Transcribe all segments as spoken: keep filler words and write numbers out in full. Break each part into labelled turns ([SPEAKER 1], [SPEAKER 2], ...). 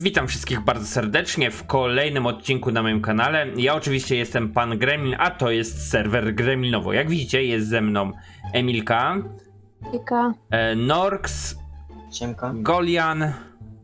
[SPEAKER 1] Witam wszystkich bardzo serdecznie w kolejnym odcinku na moim kanale. Ja oczywiście jestem pan Gremlin, a to jest serwer Gremlinowo. Jak widzicie, jest ze mną Emilka,
[SPEAKER 2] Ika.
[SPEAKER 1] e, Norks,
[SPEAKER 3] Siemka.
[SPEAKER 1] Golian,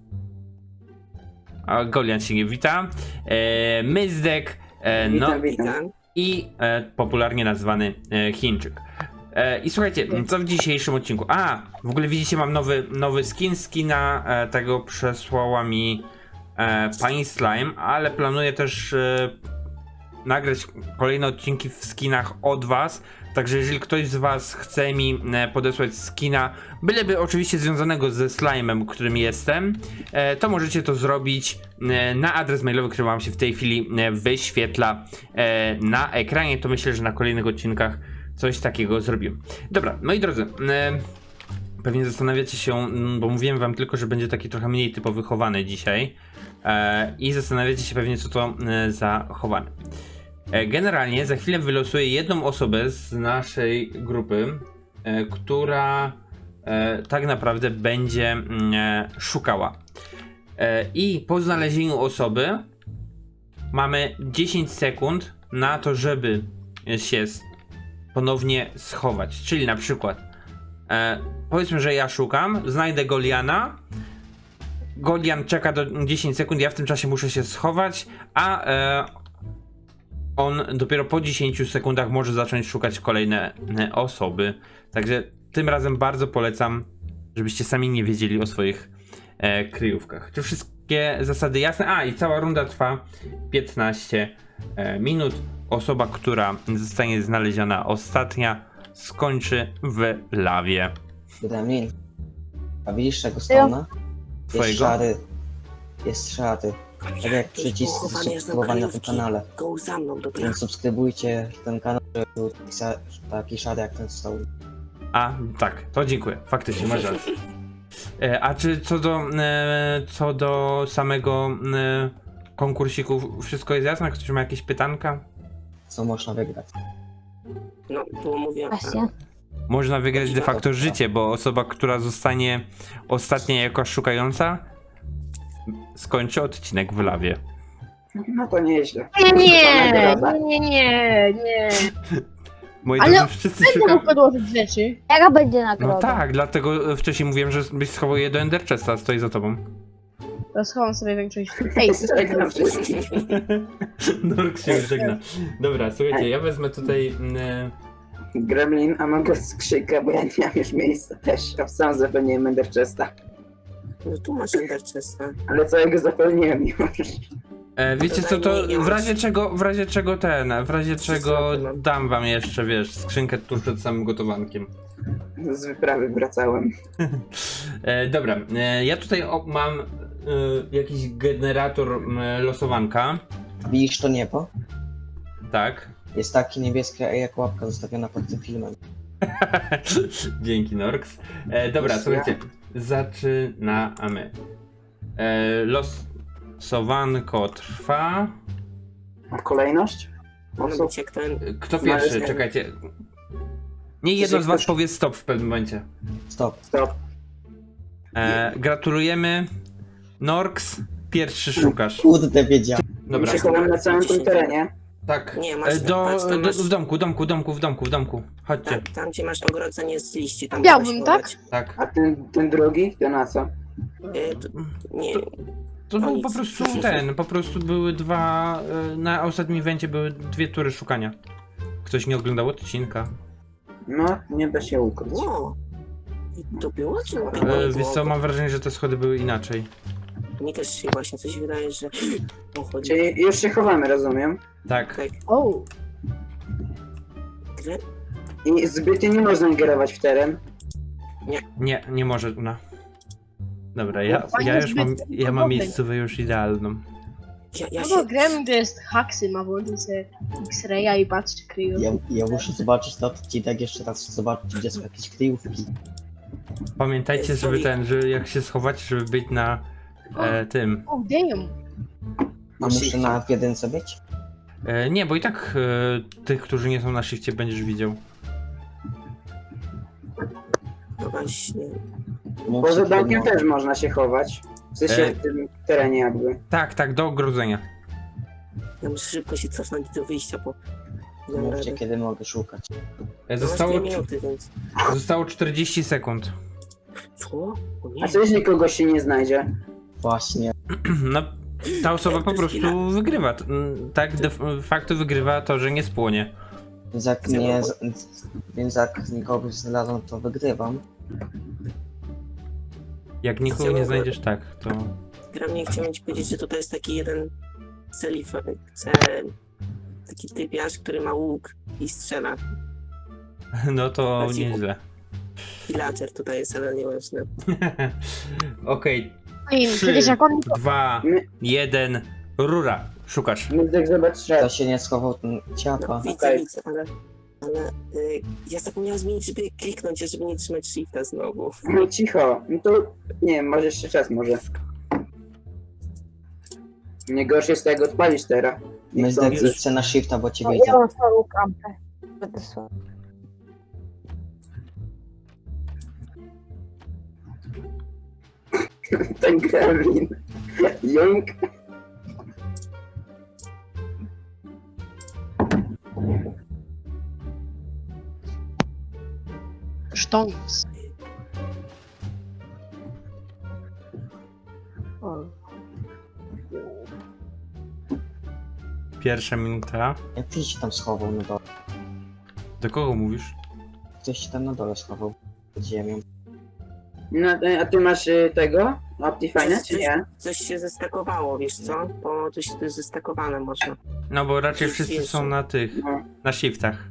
[SPEAKER 1] a Golian się nie wita, e, Myzdek, e, no,
[SPEAKER 4] Witam, witam.
[SPEAKER 1] i e, popularnie nazwany e, Chińczyk. E, I słuchajcie, co w dzisiejszym odcinku? A, w ogóle widzicie, mam nowy, nowy skin. Skina e, tego przesłała mi e, pani Slime, ale planuję też e, nagrać kolejne odcinki w skinach od was. Także jeżeli ktoś z was chce mi e, podesłać skina, byleby oczywiście związanego ze slime'em, którym jestem, e, to możecie to zrobić e, na adres mailowy, który wam się w tej chwili e, wyświetla e, na ekranie. To myślę, że na kolejnych odcinkach coś takiego zrobiłem. Dobra, moi drodzy, e, pewnie zastanawiacie się, m, bo mówiłem wam tylko, że będzie taki trochę mniej typowy chowany dzisiaj e, i zastanawiacie się pewnie, co to e, za chowany. E, generalnie za chwilę wylosuję jedną osobę z naszej grupy, e, która e, tak naprawdę będzie mm, e, szukała. E, I po znalezieniu osoby mamy dziesięć sekund na to, żeby się s- ponownie schować. Czyli na przykład e, powiedzmy, że ja szukam, znajdę Goliana. Golian czeka do dziesięć sekund, ja w tym czasie muszę się schować, a e, on dopiero po dziesięciu sekundach może zacząć szukać kolejne e, osoby. Także tym razem bardzo polecam, żebyście sami nie wiedzieli o swoich e, kryjówkach. Czy wszystkie zasady jasne? A, i cała runda trwa piętnaście e, minut. Osoba, która zostanie znaleziona ostatnia, skończy w lawie.
[SPEAKER 3] Gremlin. A widzisz tego stona?
[SPEAKER 1] Twojego?
[SPEAKER 3] Jest szary. Jest szary. Tak jak przycisk subskrybowania na tym kanale.
[SPEAKER 4] Go za mną, dobra.
[SPEAKER 3] Więc subskrybujcie ten kanał, żeby był taki sa- taki szary jak ten stone.
[SPEAKER 1] A, tak, to dziękuję. Faktycznie, masz rację. E, a czy co do, e, co do samego e, konkursiku, wszystko jest jasne? Ktoś ma jakieś pytanka?
[SPEAKER 3] Co można wygrać?
[SPEAKER 4] No, było mówione.
[SPEAKER 2] Właśnie.
[SPEAKER 1] Można wygrać de facto życie, bo osoba, która zostanie ostatnia jako szukająca, skończy odcinek w lawie.
[SPEAKER 4] No to nieźle.
[SPEAKER 5] Nie, nie,
[SPEAKER 4] Nagroda.
[SPEAKER 5] nie, nie, nie.
[SPEAKER 1] Moi
[SPEAKER 5] Ale
[SPEAKER 1] drodzy, wszyscy
[SPEAKER 5] Będę
[SPEAKER 1] szukają.
[SPEAKER 5] mógł podłożyć rzeczy.
[SPEAKER 2] Jaka będzie nagroda?
[SPEAKER 1] No tak, dlatego wcześniej mówiłem, że byś schował je do Ender Chesta, stoi za tobą.
[SPEAKER 5] To schowam sobie większość. Ej,
[SPEAKER 4] Żegnam wszystkich.
[SPEAKER 1] Nork się żegna. Dobra, słuchajcie, ja wezmę tutaj... E,
[SPEAKER 4] Gremlin, a mogę skrzynkę, bo ja nie mam już miejsca też. A sam zapewniłem Ender Chesta.
[SPEAKER 6] No tu masz Ender Chesta.
[SPEAKER 4] Ale całego zapewniłem już.
[SPEAKER 1] E, wiecie co, to w razie czego, w razie czego ten, w razie czego dam wam jeszcze, wiesz, skrzynkę tuż przed samym gotowankiem.
[SPEAKER 4] Z wyprawy wracałem.
[SPEAKER 1] E, dobra, e, ja tutaj o, mam e, jakiś generator e, losowanka,
[SPEAKER 3] Widzisz to niebo?
[SPEAKER 1] tak.
[SPEAKER 3] Jest takie niebieskie jak łapka zostawiona pod tym filmem.
[SPEAKER 1] Dzięki, Norks. E, dobra,
[SPEAKER 4] Już
[SPEAKER 1] słuchajcie, zaczynamy. E, losowanko trwa.
[SPEAKER 4] A kolejność?
[SPEAKER 6] Może
[SPEAKER 4] Osób?
[SPEAKER 6] być jak ten...
[SPEAKER 1] Kto
[SPEAKER 4] No,
[SPEAKER 1] pierwszy?
[SPEAKER 4] ale-
[SPEAKER 1] Czekajcie. Nie jedno z was powie stop w pewnym momencie.
[SPEAKER 3] Stop.
[SPEAKER 4] Stop.
[SPEAKER 1] E, gratulujemy. Norks, pierwszy szukasz.
[SPEAKER 3] Kurde, wiedziałem.
[SPEAKER 1] Dobra.
[SPEAKER 4] My się chowamy na całym tym terenie.
[SPEAKER 1] Tak.
[SPEAKER 6] Nie, masz-
[SPEAKER 1] E, do,
[SPEAKER 6] patrz, tam
[SPEAKER 1] do,
[SPEAKER 6] masz-
[SPEAKER 1] w domku, domku, domku, w domku, w domku. Chodźcie.
[SPEAKER 6] Tam, tam gdzie masz ogrodzenie z liści, tam
[SPEAKER 5] Białbym,
[SPEAKER 6] możesz
[SPEAKER 5] tak?
[SPEAKER 6] chować.
[SPEAKER 1] Tak.
[SPEAKER 4] A ten, ten drugi? To na co?
[SPEAKER 6] E, to, nie,
[SPEAKER 1] To
[SPEAKER 6] No
[SPEAKER 1] był
[SPEAKER 6] nic.
[SPEAKER 1] po prostu ten, po prostu były dwa, e, na ostatnim evencie były dwie tury szukania. Ktoś nie oglądał odcinka.
[SPEAKER 4] No, nie da się ukryć.
[SPEAKER 6] wow. I to było, czy nie
[SPEAKER 1] E,
[SPEAKER 6] było?
[SPEAKER 1] wiesz co, mam wrażenie, że te schody były inaczej.
[SPEAKER 6] Mi też się właśnie coś wydaje, że... O, chodzi.
[SPEAKER 4] Czyli już się chowamy, rozumiem.
[SPEAKER 1] Tak.
[SPEAKER 6] Tak.
[SPEAKER 5] O,
[SPEAKER 6] Gre...
[SPEAKER 4] I zbytnio nie można ingerować w teren.
[SPEAKER 1] Nie, nie może ona. Dobra, ja,
[SPEAKER 5] Fajnie,
[SPEAKER 1] ja już mam,
[SPEAKER 5] zbyt
[SPEAKER 1] ja mam
[SPEAKER 5] podobny.
[SPEAKER 1] miejscówę już idealną.
[SPEAKER 6] Ja, ja
[SPEAKER 5] no
[SPEAKER 6] się...
[SPEAKER 5] bo Gremlin to jest haksy, ma włączyć sobie X-raya i patrz czy kryją.
[SPEAKER 3] Ja, ja muszę zobaczyć ten odcinek jeszcze raz, zobaczyć gdzie są jakieś kryjówki.
[SPEAKER 1] Pamiętajcie, żeby ten, że jak się schować, żeby być na e, tym.
[SPEAKER 5] O, damn.
[SPEAKER 3] A muszę na w jedynce być?
[SPEAKER 1] E, nie, bo i tak e, tych, którzy nie są na szychcie, będziesz widział.
[SPEAKER 6] No właśnie.
[SPEAKER 3] Mówcie,
[SPEAKER 4] Poza
[SPEAKER 3] kiedy
[SPEAKER 4] domkiem
[SPEAKER 3] mogę.
[SPEAKER 4] też można się chować. W sensie
[SPEAKER 1] E.
[SPEAKER 4] w tym terenie jakby.
[SPEAKER 1] Tak, tak, do ogrodzenia.
[SPEAKER 6] Ja muszę szybko się cofnąć do wyjścia, bo nie mam
[SPEAKER 3] Mówcie,
[SPEAKER 6] rady.
[SPEAKER 3] kiedy mogę szukać.
[SPEAKER 1] E,
[SPEAKER 6] No masz
[SPEAKER 1] Zostało,
[SPEAKER 6] dwie minuty, więc...
[SPEAKER 1] zostało czterdzieści sekund.
[SPEAKER 6] Co? O nie.
[SPEAKER 4] A co jeśli kogoś się nie znajdzie?
[SPEAKER 3] Właśnie.
[SPEAKER 1] No, ta osoba
[SPEAKER 6] Jak
[SPEAKER 1] po
[SPEAKER 6] to jest
[SPEAKER 1] prostu wygrywa. T- m, Tak de facto wygrywa to, że nie spłonie.
[SPEAKER 3] Więc jak nie, więc jak nikogo znalazłem, to wygrywam.
[SPEAKER 1] Jak nikogo nie znajdziesz, tak, to...
[SPEAKER 6] Gra mnie chciałem ci powiedzieć, że tutaj jest taki jeden celif... cel... Taki typiarz, który ma łuk i strzela.
[SPEAKER 1] No to
[SPEAKER 6] Znaczy-
[SPEAKER 1] nieźle.
[SPEAKER 6] Villager tutaj jest, ale nieważne.
[SPEAKER 1] Okej,
[SPEAKER 2] Ej,
[SPEAKER 1] Trzy.
[SPEAKER 2] przecież jak on
[SPEAKER 1] dwa,
[SPEAKER 4] My-
[SPEAKER 1] jeden, rura. Szukasz.
[SPEAKER 4] Mózg zobacz
[SPEAKER 3] Kto
[SPEAKER 4] szedł.
[SPEAKER 3] się nie schował, ten ciapa.
[SPEAKER 6] No, widzę,
[SPEAKER 4] Okej.
[SPEAKER 6] widzę, ale... Ale y, ja zapomniałem zmienić, żeby kliknąć, żeby nie trzymać shifta znowu.
[SPEAKER 4] No cicho, no to nie wiem, może jeszcze czas może. Nie gorsze jest tego odpalić teraz. Nie
[SPEAKER 3] My
[SPEAKER 4] chcący.
[SPEAKER 3] zdecydujcie na shifta, bo cię
[SPEAKER 2] no,
[SPEAKER 3] widzę.
[SPEAKER 2] ja mam swoją kampę. Będę słabo.
[SPEAKER 4] Ten gremlin. Jung.
[SPEAKER 5] Sztąs. O.
[SPEAKER 1] Pierwsza minuta.
[SPEAKER 3] Jak ktoś się tam schował na dole?
[SPEAKER 1] Do kogo mówisz?
[SPEAKER 3] Ktoś się tam na dole schował. Pod ziemią.
[SPEAKER 4] No, a ty masz y, tego? Optifine, czy nie?
[SPEAKER 6] Coś się zestakowało, wiesz co? Bo coś tu jest zestakowane można.
[SPEAKER 1] No bo raczej
[SPEAKER 6] Jest
[SPEAKER 1] wszyscy
[SPEAKER 6] jeszcze.
[SPEAKER 1] są na tych,
[SPEAKER 4] No.
[SPEAKER 1] na shiftach.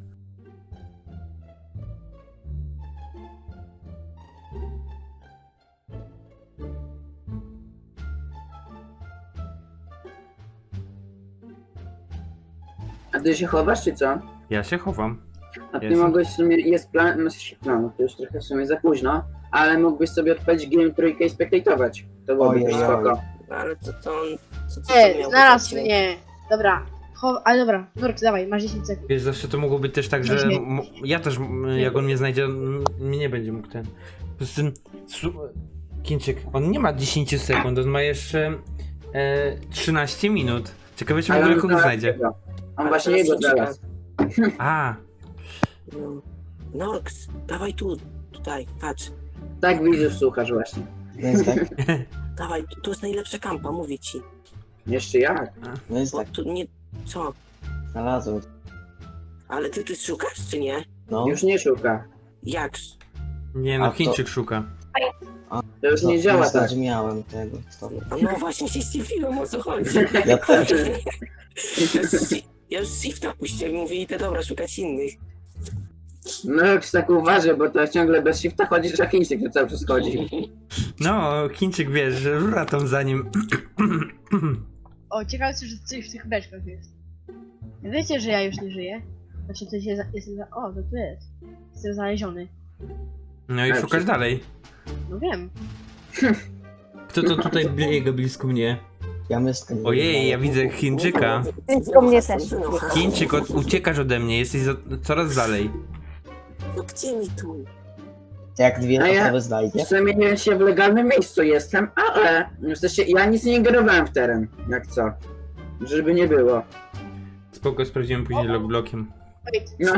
[SPEAKER 4] A ty się chowasz, czy co?
[SPEAKER 1] Ja się chowam.
[SPEAKER 4] A ty
[SPEAKER 1] Jestem.
[SPEAKER 4] mogłeś w sumie, jest plan, no się plan, to już trochę w sumie za późno, ale mógłbyś sobie odpalić game trójkę i spektatować. To byłoby
[SPEAKER 3] Ojej,
[SPEAKER 4] spoko.
[SPEAKER 6] Ale to, to on... Co, co, co
[SPEAKER 5] E,
[SPEAKER 6] miał
[SPEAKER 5] znalazł
[SPEAKER 6] być?
[SPEAKER 5] mnie. Dobra. Cho- ale dobra, Nork, dawaj, masz dziesięć sekund.
[SPEAKER 1] Wiesz, zawsze to mogło być też tak, że
[SPEAKER 5] Nie.
[SPEAKER 1] m- ja też, m, jak on mnie znajdzie, m, mnie nie będzie mógł ten... Poza tym, su- Chińczyk, on nie ma dziesięć sekund, on ma jeszcze e, trzynaście minut. Ciekawe, czy w ogóle
[SPEAKER 4] on
[SPEAKER 1] kogo
[SPEAKER 4] znalazł
[SPEAKER 1] znajdzie.
[SPEAKER 4] tego. On
[SPEAKER 6] Ale
[SPEAKER 4] właśnie
[SPEAKER 6] teraz
[SPEAKER 4] jego
[SPEAKER 6] się
[SPEAKER 4] znalazł.
[SPEAKER 1] A,
[SPEAKER 6] No. Norks, dawaj tu, tutaj, patrz.
[SPEAKER 4] Tak widzów słuchasz właśnie.
[SPEAKER 3] Więc tak,
[SPEAKER 6] Dawaj, tu, tu jest najlepsza kampa, mówię ci.
[SPEAKER 4] Jeszcze jak?
[SPEAKER 3] więc
[SPEAKER 6] Bo
[SPEAKER 3] tak,
[SPEAKER 6] tu nie... Co?
[SPEAKER 3] znalazłem.
[SPEAKER 6] Ale ty tu szukasz, czy nie?
[SPEAKER 3] No,
[SPEAKER 4] Już nie szuka.
[SPEAKER 6] Jak?
[SPEAKER 1] nie no,
[SPEAKER 3] A to-
[SPEAKER 1] Chińczyk szuka.
[SPEAKER 4] To już
[SPEAKER 3] no,
[SPEAKER 4] nie działa
[SPEAKER 3] nie
[SPEAKER 4] tak.
[SPEAKER 3] zrozumiałem tego. To...
[SPEAKER 6] A no właśnie się zdziwiłem, o co chodzi.
[SPEAKER 3] Ja też.
[SPEAKER 6] Ja już shi- Ja już shifta puściłem i mówię, idę dobra, szukać innych.
[SPEAKER 4] No jak tak uważaj, bo to ciągle bez shifta chodzisz, a Chińczyk to cały czas chodzi.
[SPEAKER 1] No, Chińczyk wiesz, że rura tam za nim.
[SPEAKER 5] O, ciekawe, co że coś w tych beczkach jest. Wiecie, że ja już nie żyję? Znaczy, to się za... jestem za... O, to tu jest. Jestem znaleziony.
[SPEAKER 1] No i
[SPEAKER 4] Ale
[SPEAKER 1] szukasz
[SPEAKER 4] przy-
[SPEAKER 1] dalej.
[SPEAKER 5] No wiem.
[SPEAKER 1] Kto to tutaj biega blisko mnie?
[SPEAKER 3] Ja myskę nie
[SPEAKER 1] Ojej, ja widzę Chińczyka.
[SPEAKER 2] Tylko mnie też.
[SPEAKER 1] Chińczyk, od, uciekasz ode mnie, jesteś za, coraz dalej.
[SPEAKER 6] No gdzie mi tu?
[SPEAKER 3] Jak dwie
[SPEAKER 4] A ja-
[SPEAKER 3] osoby znajdzie?
[SPEAKER 4] Zamieniłem się w legalnym miejscu jestem, ale w sensie ja nic nie ingerowałem w teren, jak co. Żeby nie było.
[SPEAKER 1] Spoko, sprawdziłem później logblokiem.
[SPEAKER 5] Wait,
[SPEAKER 4] No.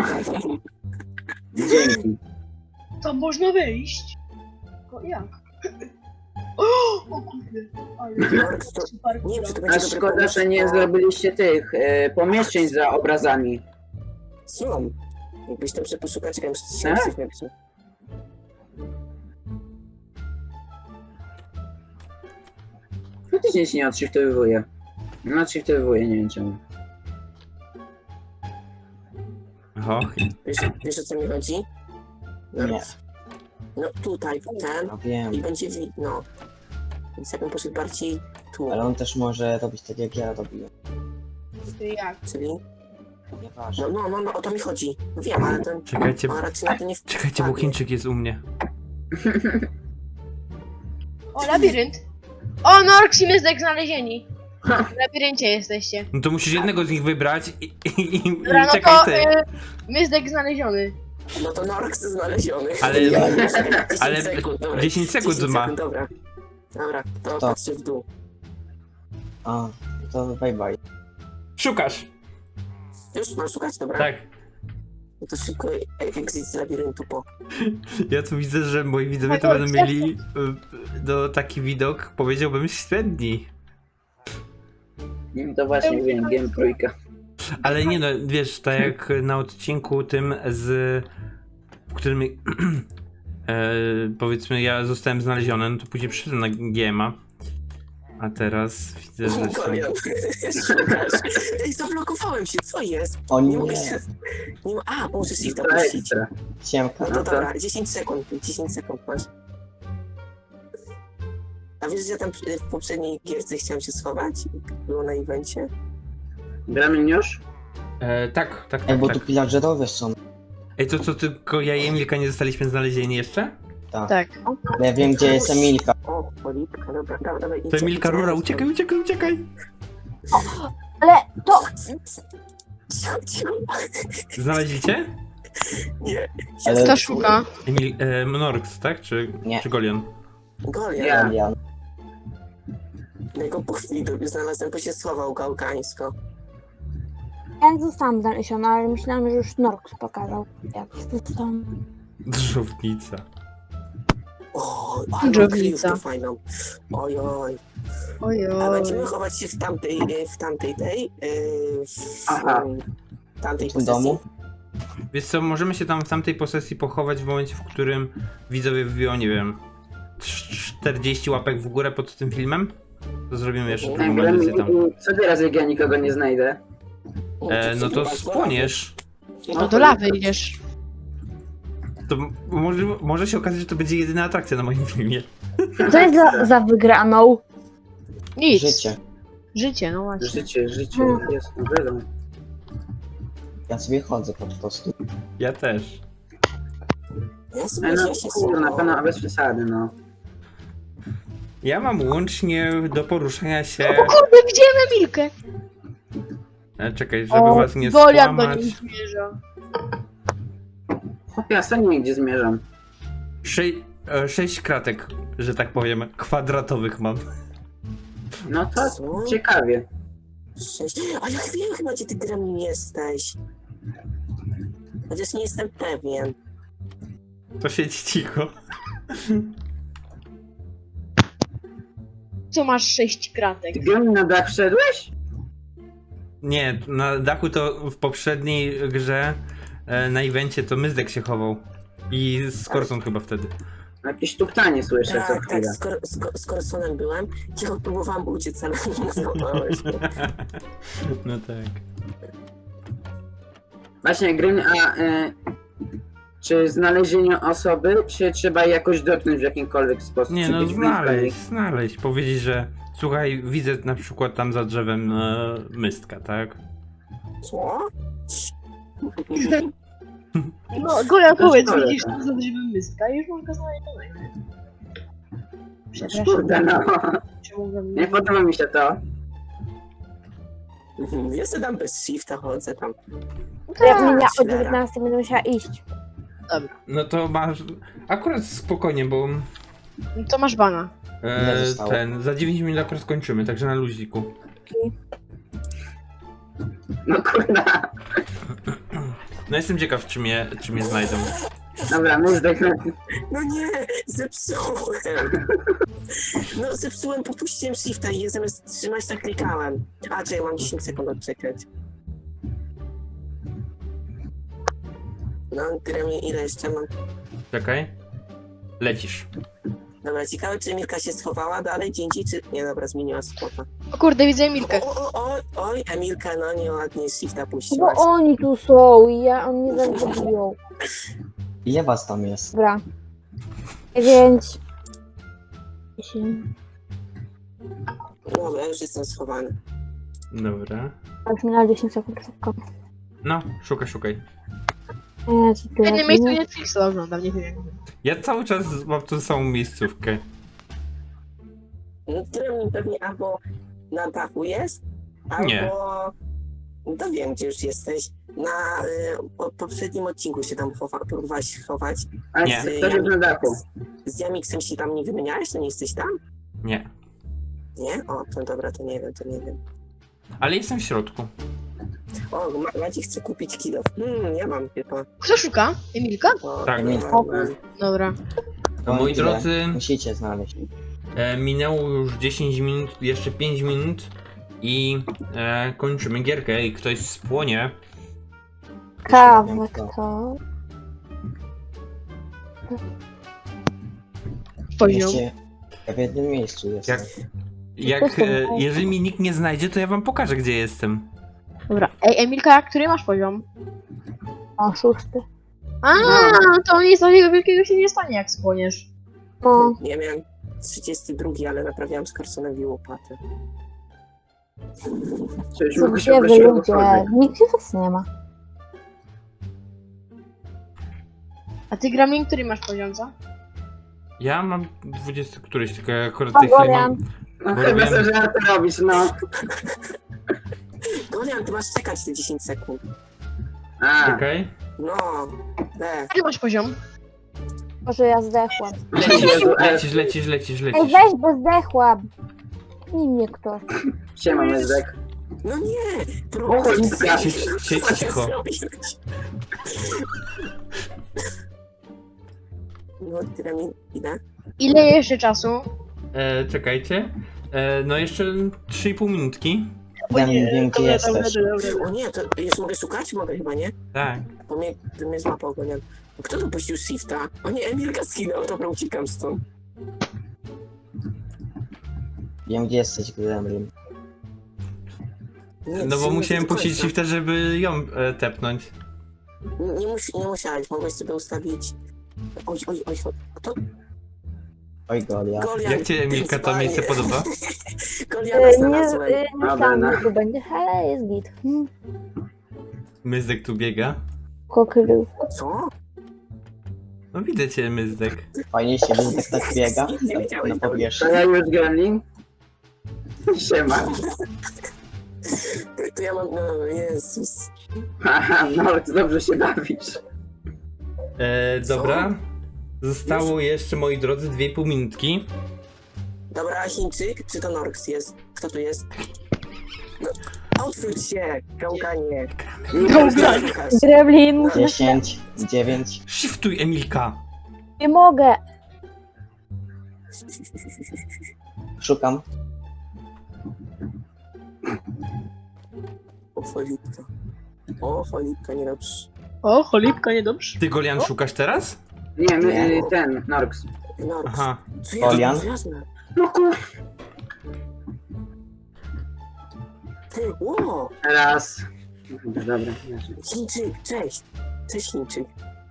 [SPEAKER 4] Dzięki.
[SPEAKER 5] to można wyjść? O, jak? O, o kurde. Ale...
[SPEAKER 6] Norks, to...
[SPEAKER 5] Super.
[SPEAKER 6] Nie wiem, czy to
[SPEAKER 4] A
[SPEAKER 6] będzie dobre
[SPEAKER 4] szkoda, że nie
[SPEAKER 6] pomysł,
[SPEAKER 4] zrobiliście tych e, pomieszczeń za obrazami.
[SPEAKER 6] bo- Są. Jakbyś tam sobie poszukać, czekaj, muszę się
[SPEAKER 4] Tak?
[SPEAKER 6] coś napisać.
[SPEAKER 4] Faktycznie się nie odshiftowywuje. No odshiftowywuje, nie wiem czemu.
[SPEAKER 1] Oho,
[SPEAKER 6] Wiesz, wiesz o co mi chodzi?
[SPEAKER 3] Nie.
[SPEAKER 6] No tutaj, w ten
[SPEAKER 3] No wiem,
[SPEAKER 6] i będzie widno. Więc jakbym poszedł bardziej tu,
[SPEAKER 3] ale on też może robić tak jak ja robiłem.
[SPEAKER 5] To jak?
[SPEAKER 6] czyli...
[SPEAKER 3] Nieważne.
[SPEAKER 6] No, no, no, no, o to mi chodzi. No wiem, ale ten...
[SPEAKER 1] czekajcie,
[SPEAKER 6] On raczej na to nie
[SPEAKER 1] czekajcie, bo
[SPEAKER 6] wpadnie.
[SPEAKER 1] Chińczyk jest u mnie.
[SPEAKER 5] O, labirynt. O, Norks i Myzdek znalezieni. W labiryncie jesteście.
[SPEAKER 1] No to musisz jednego z nich wybrać i, i, i, i
[SPEAKER 5] Dobra, no
[SPEAKER 1] czekaj
[SPEAKER 5] to
[SPEAKER 1] ty.
[SPEAKER 5] y, Myzdek znaleziony.
[SPEAKER 6] No to Norks znaleziony.
[SPEAKER 1] Ale-
[SPEAKER 6] Ja-
[SPEAKER 1] ale
[SPEAKER 6] dziesięć sekund, dobra.
[SPEAKER 1] dziesięć sekund ma.
[SPEAKER 6] Dobra. Dobra, to
[SPEAKER 3] To.
[SPEAKER 6] patrzę w dół.
[SPEAKER 3] A, to bye bye.
[SPEAKER 1] Szukasz!
[SPEAKER 6] Już mam szukać, dobra?
[SPEAKER 1] Tak.
[SPEAKER 6] No to szybko e- exit z labiryntu po.
[SPEAKER 1] Ja tu widzę, że moi widzowie to
[SPEAKER 5] Tak,
[SPEAKER 1] będą mieli y, no, taki widok, powiedziałbym, średni.
[SPEAKER 4] To właśnie wiem, game trójka.
[SPEAKER 1] Ale nie no, wiesz, tak jak na odcinku tym z... w którym... e, powiedzmy, ja zostałem znaleziony, no to później przyszedłem na G M a. A teraz widzę, że są...
[SPEAKER 6] Golian, szukasz. Ej, zablokowałem się, co jest?
[SPEAKER 3] O
[SPEAKER 6] Nie
[SPEAKER 3] nie,
[SPEAKER 6] mogę się... Nie ma... A, muszę shifta
[SPEAKER 4] To
[SPEAKER 6] puścić.
[SPEAKER 4] ekstra.
[SPEAKER 3] siemka.
[SPEAKER 6] No to
[SPEAKER 4] No to-
[SPEAKER 6] dobra, dziesięć sekund, dziesięć sekund masz. A wiesz, że ja tam w poprzedniej gierce chciałem się schować? Było na evencie?
[SPEAKER 4] Gramy już?
[SPEAKER 1] E, tak, tak,
[SPEAKER 3] Ej,
[SPEAKER 1] tak,
[SPEAKER 3] bo
[SPEAKER 1] tak.
[SPEAKER 3] tu pillagerowie są.
[SPEAKER 1] Ej, to co, tylko ja i Emilka nie zostaliśmy znalezieni jeszcze?
[SPEAKER 3] Tak.
[SPEAKER 5] Tak.
[SPEAKER 3] Ja wiem, gdzie jest Emilka.
[SPEAKER 6] O, polipka, dobra, dobra, dobra.
[SPEAKER 1] To Emilka, rura, uciekaj, uciekaj, uciekaj!
[SPEAKER 2] Ale to...
[SPEAKER 6] Cicho, cicho.
[SPEAKER 1] Znaleźliście?
[SPEAKER 6] Nie.
[SPEAKER 3] Ale-
[SPEAKER 5] Kto szuka?
[SPEAKER 1] Emil... E, Mnorks, tak? Czy,
[SPEAKER 3] Nie.
[SPEAKER 1] czy Golion?
[SPEAKER 6] Golian.
[SPEAKER 4] Ja.
[SPEAKER 3] Golian.
[SPEAKER 6] Ja go po chwili do- znalazłem, bo się schował gałkańsko.
[SPEAKER 2] Ja nie zostałam znaleziona, ale myślałam, że już Norks pokazał. Jak zostałam.
[SPEAKER 1] Drzownica.
[SPEAKER 6] O, ale mam
[SPEAKER 5] Dżownica.
[SPEAKER 6] kryjówkę fajną. Oj, oj. A
[SPEAKER 5] Ojoj.
[SPEAKER 6] będziemy chować się w tamtej, e, w tamtej tej, e, w
[SPEAKER 4] Aha.
[SPEAKER 6] w tamtej
[SPEAKER 3] W
[SPEAKER 6] posesji.
[SPEAKER 3] domu?
[SPEAKER 1] Wiesz co, możemy się tam w tamtej posesji pochować w momencie, w którym widzowie wbiją, nie wiem, czterdzieści łapek w górę pod tym filmem? To zrobimy jeszcze drugą
[SPEAKER 4] Gramy
[SPEAKER 1] edycję tam.
[SPEAKER 4] i co teraz, jak ja nikogo nie znajdę?
[SPEAKER 1] E, no to spłoniesz.
[SPEAKER 5] No do lawy idziesz.
[SPEAKER 1] To m- może, może się okazać, że to będzie jedyna atrakcja na moim filmie.
[SPEAKER 2] Co jest za, za wygraną?
[SPEAKER 5] Nic.
[SPEAKER 3] Życie.
[SPEAKER 5] Życie, no właśnie.
[SPEAKER 4] Życie, życie,
[SPEAKER 2] Hmm.
[SPEAKER 4] jest, no wiadomo.
[SPEAKER 3] Ja sobie chodzę po prostu.
[SPEAKER 1] Ja też.
[SPEAKER 6] Ja sobie
[SPEAKER 4] No
[SPEAKER 6] ja się
[SPEAKER 4] kurde, na
[SPEAKER 6] schowałem.
[SPEAKER 4] pewno bez przesady, no.
[SPEAKER 1] Ja mam łącznie do poruszania się...
[SPEAKER 5] O kurde, widziałem Emilkę!
[SPEAKER 1] E, czekaj, żeby
[SPEAKER 5] O,
[SPEAKER 1] was nie
[SPEAKER 5] Golian do niej
[SPEAKER 1] skłamać.
[SPEAKER 5] zmierza.
[SPEAKER 4] Chłopie, ja sam nie wiem, gdzie zmierzam.
[SPEAKER 1] Sze- e, sześć kratek, że tak powiem, kwadratowych mam.
[SPEAKER 4] No to
[SPEAKER 6] Co?
[SPEAKER 4] ciekawie.
[SPEAKER 6] Sześć. A ja wiem chyba, gdzie ty Gremlin jesteś. Chociaż nie jestem pewien.
[SPEAKER 1] To siedź cicho.
[SPEAKER 5] Co masz sześć kratek?
[SPEAKER 4] Ty gramy na dach wszedłeś?
[SPEAKER 1] Nie, na dachu to w poprzedniej grze e, na evencie to Myzdek się chował. I z Korsą chyba wtedy.
[SPEAKER 4] Jakieś tuptanie słyszę co
[SPEAKER 6] Tak, tak,
[SPEAKER 4] chwilę.
[SPEAKER 6] z, Kor- z, Kor- z Korsonem byłem. Cicho próbowałam uciec, ale nie złapałeś mnie.
[SPEAKER 1] No tak.
[SPEAKER 4] Właśnie, Gryn, a y, czy znalezienie osoby, czy trzeba jej jakoś dotknąć w jakimkolwiek sposób?
[SPEAKER 1] Nie
[SPEAKER 4] Czy
[SPEAKER 1] no,
[SPEAKER 4] być blisko
[SPEAKER 1] znaleźć,
[SPEAKER 4] jej?
[SPEAKER 1] znaleźć. Powiedzieć, że słuchaj, widzę na przykład tam za drzewem e, Mystka, tak?
[SPEAKER 6] Co?
[SPEAKER 5] No, Golian,
[SPEAKER 4] To jest
[SPEAKER 5] powiedz,
[SPEAKER 4] chore,
[SPEAKER 5] widzisz
[SPEAKER 4] tak.
[SPEAKER 5] tu za drzewem myska i już mam go znaleźć. Przepraszam.
[SPEAKER 4] Kurde, no.
[SPEAKER 5] Czemu we
[SPEAKER 4] Nie
[SPEAKER 5] mnie...
[SPEAKER 4] podoba mi się to.
[SPEAKER 6] Ja sobie tam bez shifta chodzę tam.
[SPEAKER 2] Jak mnie o
[SPEAKER 6] Cholera.
[SPEAKER 2] dziewiętnastej będę musiała iść.
[SPEAKER 1] No to masz akurat spokojnie, bo
[SPEAKER 5] No to masz bana.
[SPEAKER 1] e,
[SPEAKER 3] Ile zostało?
[SPEAKER 1] ten, za dziewięć minut akurat skończymy, także na luziku.
[SPEAKER 4] No kurde.
[SPEAKER 1] No jestem ciekaw, czy mnie, czy mnie znajdą.
[SPEAKER 4] Dobra, my zdech...
[SPEAKER 6] No nie, zepsułem. No zepsułem, popuściłem shifta i zamiast trzymać tak klikałem. A, czekaj, mam dziesięć sekund odczekać. No, Gremlin, ile jeszcze mam?
[SPEAKER 1] Czekaj. Lecisz.
[SPEAKER 6] Dobra, ciekawe, czy Emilka się schowała dalej, dzień czy... Nie, dobra, zmieniła spota.
[SPEAKER 5] O kurde, widzę Emilkę.
[SPEAKER 6] O, o, o, oj, Emilka, no nieładnie shifta
[SPEAKER 2] Bo
[SPEAKER 6] puściłaś.
[SPEAKER 2] oni tu są i ja, oni mnie zabiją.
[SPEAKER 3] Ile was tam jest?
[SPEAKER 2] Dobra. Dziewięć. Dziesięć.
[SPEAKER 6] Dobra, już jestem schowany.
[SPEAKER 1] Dobra.
[SPEAKER 2] A już minęło dziesięć sekund szybko.
[SPEAKER 1] No, szukaj, szukaj.
[SPEAKER 2] Nie, co
[SPEAKER 5] W
[SPEAKER 2] ty
[SPEAKER 5] jednym miejscu
[SPEAKER 2] robisz?
[SPEAKER 5] Netflixa oglądam, nie wiem jak.
[SPEAKER 1] Ja cały czas mam tą samą miejscówkę.
[SPEAKER 6] No, Gremlin pewnie albo na dachu jest, albo...
[SPEAKER 1] Nie.
[SPEAKER 6] No to wiem, gdzie już jesteś. Na y, po, poprzednim odcinku się tam chowa, próbowałeś chować.
[SPEAKER 4] Ale
[SPEAKER 1] Nie.
[SPEAKER 4] ktoś jest na dachu.
[SPEAKER 6] Z Jamiksem się tam nie wymieniałeś, to nie jesteś tam?
[SPEAKER 1] Nie.
[SPEAKER 6] Nie? O, to dobra, to nie wiem, to nie wiem.
[SPEAKER 1] Ale jestem w środku.
[SPEAKER 6] O, Ma- Maciej chce kupić kilo. Hmm, ja mam chyba.
[SPEAKER 5] Kto szuka? Emilka?
[SPEAKER 6] O,
[SPEAKER 1] Tak.
[SPEAKER 6] nie
[SPEAKER 3] Emilka.
[SPEAKER 6] mam.
[SPEAKER 5] Dobra.
[SPEAKER 1] Moi
[SPEAKER 3] Tyle.
[SPEAKER 1] drodzy,
[SPEAKER 3] Musicie znaleźć.
[SPEAKER 1] e, minęło już dziesięć minut, jeszcze pięć minut i e, kończymy gierkę i ktoś spłonie.
[SPEAKER 2] Kawę kto?
[SPEAKER 5] Poziom.
[SPEAKER 3] Jeszcze ja w jednym miejscu jestem.
[SPEAKER 1] Jak, jak e, jeżeli mi nikt nie znajdzie, to ja wam pokażę, gdzie jestem.
[SPEAKER 5] Dobra. Ej, Emilka, który masz poziom?
[SPEAKER 2] O, szósty.
[SPEAKER 5] A, to nic takiego wielkiego się nie stanie, jak spłoniesz.
[SPEAKER 2] No,
[SPEAKER 6] Nie miałem trzydziesty drugi, ale naprawiałem z Carsonowi łopatę.
[SPEAKER 4] Cześć,
[SPEAKER 2] co
[SPEAKER 4] mogę się
[SPEAKER 2] gdzie wy
[SPEAKER 4] prosić o
[SPEAKER 2] ludzie?
[SPEAKER 4] cokolwiek.
[SPEAKER 2] Nigdzie was nie ma.
[SPEAKER 5] A ty, Gramin, który masz poziom, co?
[SPEAKER 1] Ja mam dwudziesty któryś, tylko ja akurat
[SPEAKER 2] O,
[SPEAKER 1] tej chwili mam...
[SPEAKER 2] Gorian.
[SPEAKER 4] No
[SPEAKER 1] Bo
[SPEAKER 4] chyba
[SPEAKER 1] robiłem-
[SPEAKER 4] sobie żarty robisz, no.
[SPEAKER 6] Golian, ty masz czekać te dziesięć sekund.
[SPEAKER 4] A,
[SPEAKER 1] Okej.
[SPEAKER 6] No, be.
[SPEAKER 5] Jaki masz poziom?
[SPEAKER 2] Może ja zdechłam.
[SPEAKER 1] Lecisz,
[SPEAKER 4] Jezu, e.
[SPEAKER 1] lecisz, lecisz, lecisz,
[SPEAKER 2] Ej,
[SPEAKER 1] lecisz.
[SPEAKER 2] weź, bo zdechłam. Pnij mnie ktoś.
[SPEAKER 4] siema Myzdek.
[SPEAKER 6] No nie!
[SPEAKER 4] O,
[SPEAKER 6] Prowadź.
[SPEAKER 1] Siedź, siedź cicho.
[SPEAKER 6] No, Gramin, ile?
[SPEAKER 5] Ile jeszcze czasu?
[SPEAKER 1] E, czekajcie. E, no jeszcze trzy i pół minutki.
[SPEAKER 3] Ja nie wiem, gdzie jesteś.
[SPEAKER 6] O nie, to jeszcze mogę szukać? Mogę chyba, nie?
[SPEAKER 1] Tak.
[SPEAKER 6] Bo mnie, to mnie złapał Golian. Kto tu puścił shifta? O nie, Emilka skinął, dobra, uciekam stąd.
[SPEAKER 3] Wiem, gdzie jesteś, Gremlin.
[SPEAKER 6] Nie,
[SPEAKER 1] No bo
[SPEAKER 6] trzy
[SPEAKER 1] musiałem
[SPEAKER 6] minuty do
[SPEAKER 1] puścić
[SPEAKER 6] końca.
[SPEAKER 1] shifta, żeby ją e, tepnąć.
[SPEAKER 6] Nie, nie, mus, nie musiałeś, mogłeś sobie ustawić... Oj, oj, oj, oj. Kto?
[SPEAKER 3] Oj, Golia.
[SPEAKER 6] Golian.
[SPEAKER 1] Jak ci, Emilka, to
[SPEAKER 6] Spanie.
[SPEAKER 1] miejsce podoba?
[SPEAKER 6] Goliana
[SPEAKER 2] E, Nie,
[SPEAKER 6] znalazłem.
[SPEAKER 2] e, nie
[SPEAKER 4] Dobra,
[SPEAKER 2] myślałam,
[SPEAKER 4] no.
[SPEAKER 2] że to będzie, ale jest git. Hmm.
[SPEAKER 1] Myzdek tu biega.
[SPEAKER 2] Kokrywka.
[SPEAKER 6] Co?
[SPEAKER 1] No widzę cię, Myzdek.
[SPEAKER 3] Fajnie się Myzdek tak biega
[SPEAKER 6] Nie wiedziałeś,
[SPEAKER 3] na
[SPEAKER 4] To
[SPEAKER 3] powierzchni.
[SPEAKER 4] ja już Gremlin. Siema.
[SPEAKER 6] To, to ja mam, no Jezus.
[SPEAKER 4] Haha, no to dobrze się bawisz.
[SPEAKER 1] E, dobra. Zostało jeszcze, moi drodzy, dwie i pół minutki.
[SPEAKER 6] Dobra, a Chińczyk? Czy to Norks jest? Kto tu jest? No, odwróć się, gałganie.
[SPEAKER 4] Gałganie.
[SPEAKER 2] Gremlin,
[SPEAKER 3] dziesięć, dziewięć.
[SPEAKER 1] Shiftuj, Emilka!
[SPEAKER 2] nie mogę.
[SPEAKER 3] Szukam.
[SPEAKER 6] O, cholipka. O, cholipka, niedobrze.
[SPEAKER 5] O, cholipka, niedobrze.
[SPEAKER 1] Ty, Golian, szukasz teraz?
[SPEAKER 4] Nie, my,
[SPEAKER 3] Nie.
[SPEAKER 4] y, ten, Norks.
[SPEAKER 6] Norks.
[SPEAKER 1] Aha.
[SPEAKER 6] Co ja
[SPEAKER 3] Golian?
[SPEAKER 6] jasne.
[SPEAKER 4] No kur...
[SPEAKER 6] Ty, ło!
[SPEAKER 4] Raz. Dobra, dobra.
[SPEAKER 6] Chińczyk, cześć. Cześć, Chińczyk.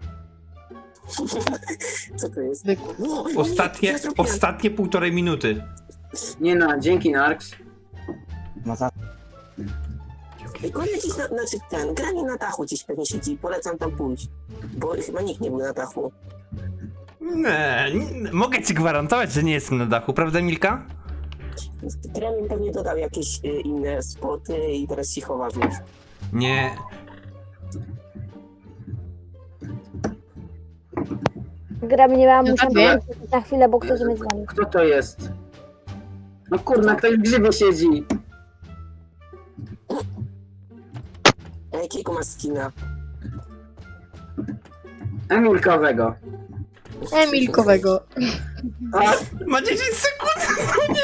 [SPEAKER 6] Co to jest?
[SPEAKER 5] Zwykły.
[SPEAKER 6] Ło, o nie,
[SPEAKER 1] Ostatnie,
[SPEAKER 6] ja zrobiłem.
[SPEAKER 1] ostatnie półtorej minuty.
[SPEAKER 4] Nie no, dzięki Norks.
[SPEAKER 3] Ma za...
[SPEAKER 6] Ej, Golian gdzieś na, znaczy ten, Grani na dachu gdzieś pewnie siedzi, polecam tam pójść. Bo chyba nikt nie był na dachu.
[SPEAKER 1] Nie, nie, mogę ci gwarantować, że nie jestem na dachu, prawda, Emilka?
[SPEAKER 6] Gremlin pewnie dodał jakieś y, inne spoty i teraz się chowa w nich.
[SPEAKER 1] Nie.
[SPEAKER 2] Gremlin, nie miałam,
[SPEAKER 5] No
[SPEAKER 2] muszę
[SPEAKER 5] tak, nie?
[SPEAKER 2] powiedzieć na chwilę, bo ktoś mnie dzwoni.
[SPEAKER 4] Kto to jest? No kurna, ktoś w grzybie siedzi.
[SPEAKER 6] A jakiego ma skina?
[SPEAKER 4] Emilkowego.
[SPEAKER 5] Emilkowego.
[SPEAKER 4] A,
[SPEAKER 1] Ma dziesięć sekund!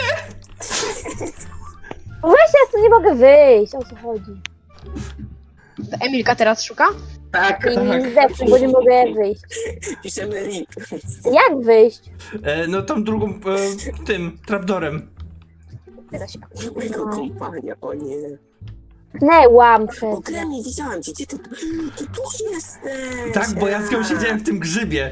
[SPEAKER 2] Weź, ja stąd nie mogę wyjść, o co chodzi.
[SPEAKER 5] To Emilka teraz szuka?
[SPEAKER 4] tak.
[SPEAKER 2] I zdechłam, bo nie mogę wyjść.
[SPEAKER 6] Piszemy rip.
[SPEAKER 2] Jak wyjść?
[SPEAKER 1] E, no tą drugą, e, tym, trapdorem.
[SPEAKER 2] Teraz się
[SPEAKER 6] Mojego kompania, o nie.
[SPEAKER 2] pchnęłam
[SPEAKER 6] O,
[SPEAKER 2] przez...
[SPEAKER 6] Gremlin, widziałam cię, gdzie ty? Ty tu jesteś!
[SPEAKER 1] Tak, bo ja z nią
[SPEAKER 6] A.
[SPEAKER 1] siedziałem w tym grzybie.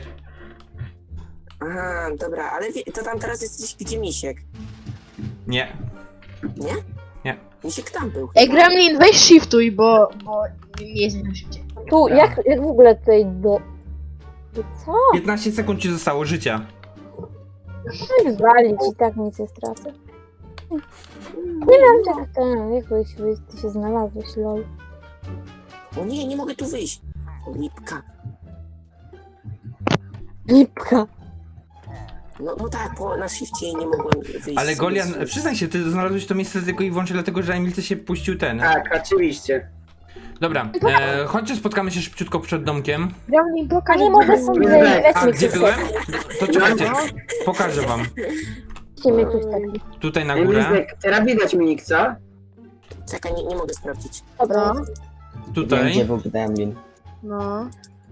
[SPEAKER 6] Aha, dobra, ale wie, to tam teraz jesteś gdzie Misiek,
[SPEAKER 1] Nie.
[SPEAKER 6] nie?
[SPEAKER 1] Nie.
[SPEAKER 6] Misiek tam był.
[SPEAKER 5] Ej,
[SPEAKER 6] chyba.
[SPEAKER 5] Gremlin, weź shiftuj, bo, bo nie jest na szybciej.
[SPEAKER 2] Tu, jak, jak w ogóle tutaj do... do co?
[SPEAKER 1] piętnaście sekund ci zostało życia.
[SPEAKER 2] Coś walić i tak nic nie stracę. Nie wiem, jak ten, jak wyjść, wyjść, ty się znalazłeś, lol.
[SPEAKER 6] O nie, nie mogę tu wyjść. O, lipka.
[SPEAKER 2] Lipka.
[SPEAKER 6] No, no tak, bo na shifcie nie mogłem wyjść.
[SPEAKER 1] Ale
[SPEAKER 6] z-
[SPEAKER 1] Golian,
[SPEAKER 6] z-
[SPEAKER 1] przyznaj się, ty znalazłeś to miejsce tylko i wyłącznie dlatego, że Emilce się puścił ten.
[SPEAKER 4] Tak, oczywiście.
[SPEAKER 1] Dobra, e, chodźcie, spotkamy się szybciutko przed domkiem.
[SPEAKER 5] Gremlin,
[SPEAKER 2] A
[SPEAKER 5] pokaż.
[SPEAKER 2] nie może są
[SPEAKER 4] Gdzie-
[SPEAKER 1] A,
[SPEAKER 2] weźmy
[SPEAKER 1] gdzie
[SPEAKER 2] ktoś
[SPEAKER 1] byłem?
[SPEAKER 2] taki.
[SPEAKER 1] To czekajcie, pokażę wam.
[SPEAKER 2] Weźmy ktoś taki.
[SPEAKER 1] Tutaj na górę,
[SPEAKER 4] Emilek, teraz widać Minik, co?
[SPEAKER 6] Czekaj, nie, nie mogę sprawdzić.
[SPEAKER 2] Dobra.
[SPEAKER 5] No,
[SPEAKER 3] Wiem,
[SPEAKER 1] tutaj
[SPEAKER 3] gdzie był gremlin.
[SPEAKER 5] no.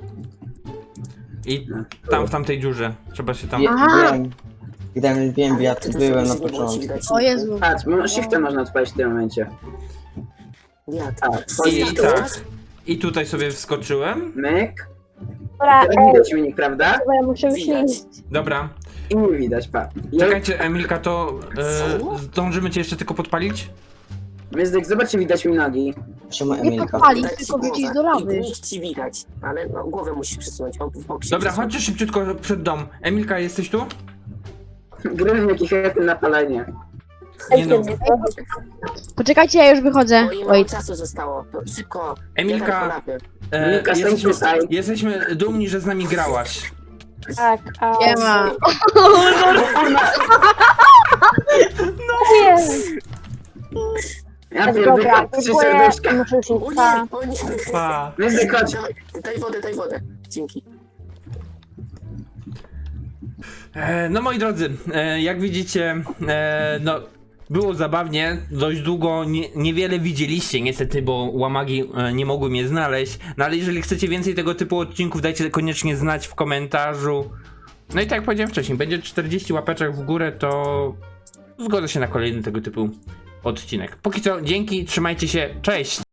[SPEAKER 1] i tam w tamtej dziurze. Trzeba się tam...
[SPEAKER 3] Wie,
[SPEAKER 5] Aha.
[SPEAKER 3] wiem. Gremlin, wiem, bo ja tu
[SPEAKER 6] to
[SPEAKER 3] byłem na
[SPEAKER 6] sobie nie było ci
[SPEAKER 3] początku.
[SPEAKER 6] widać.
[SPEAKER 5] O Jezu.
[SPEAKER 4] Patrz, mo- shiftem można odpalić w tym momencie.
[SPEAKER 6] Jak?
[SPEAKER 4] Tak,
[SPEAKER 1] I
[SPEAKER 4] chodź,
[SPEAKER 1] tak. I tutaj sobie wskoczyłem.
[SPEAKER 4] myk.
[SPEAKER 2] Dobra,
[SPEAKER 4] Teraz
[SPEAKER 2] ej,
[SPEAKER 4] widać Minik, prawda?
[SPEAKER 2] chyba ja muszę już
[SPEAKER 6] Widać.
[SPEAKER 2] iść.
[SPEAKER 1] Dobra.
[SPEAKER 4] I nie widać, pa. I
[SPEAKER 1] Czekajcie, Emilka, to e,
[SPEAKER 6] Co?
[SPEAKER 1] zdążymy cię jeszcze tylko podpalić?
[SPEAKER 4] Myzdek, zobacz, czy widać mi nogi.
[SPEAKER 3] Czemu
[SPEAKER 5] Nie
[SPEAKER 3] Emilka?
[SPEAKER 5] podpalić,
[SPEAKER 6] Widać ci
[SPEAKER 5] tylko wrócić
[SPEAKER 6] głowę.
[SPEAKER 5] do lawy.
[SPEAKER 6] I nikt ci widać, ale no, głowę musisz przesunąć. O, w bok się
[SPEAKER 1] Dobra,
[SPEAKER 6] przesuń.
[SPEAKER 1] chodźcie szybciutko przed dom. Emilka, jesteś tu?
[SPEAKER 4] Gry jaki chętny na palenie.
[SPEAKER 1] Nie no.
[SPEAKER 5] Poczekajcie, ja już wychodzę.
[SPEAKER 6] Oj, mało
[SPEAKER 5] Oj,
[SPEAKER 6] czasu zostało. To szybko.
[SPEAKER 1] Emilka,
[SPEAKER 6] Jeden po lawie.
[SPEAKER 1] e,
[SPEAKER 4] Emilka, stań
[SPEAKER 1] jesteśmy,
[SPEAKER 4] tutaj.
[SPEAKER 1] jesteśmy dumni, że z nami grałaś.
[SPEAKER 2] Tak, a...
[SPEAKER 5] nie ma.
[SPEAKER 2] Nie,
[SPEAKER 4] Ja
[SPEAKER 2] tak
[SPEAKER 4] pierdolę,
[SPEAKER 2] dobra,
[SPEAKER 4] trzy
[SPEAKER 2] dziękuję.
[SPEAKER 4] serduszka.
[SPEAKER 2] Muszę już
[SPEAKER 6] O
[SPEAKER 2] iść. Pa.
[SPEAKER 6] nie, o nie.
[SPEAKER 1] Pa.
[SPEAKER 4] Myzdek, chodź.
[SPEAKER 6] Daj, daj wodę, daj wodę. Dzięki.
[SPEAKER 1] E, no moi drodzy, e, jak widzicie, e, no było zabawnie, dość długo, nie, niewiele widzieliście niestety, bo łamagi e, nie mogły mnie znaleźć, no ale jeżeli chcecie więcej tego typu odcinków, dajcie koniecznie znać w komentarzu. No i tak jak powiedziałem wcześniej, będzie czterdzieści łapeczek w górę, to zgodzę się na kolejny tego typu odcinek. Póki co, dzięki, trzymajcie się, cześć!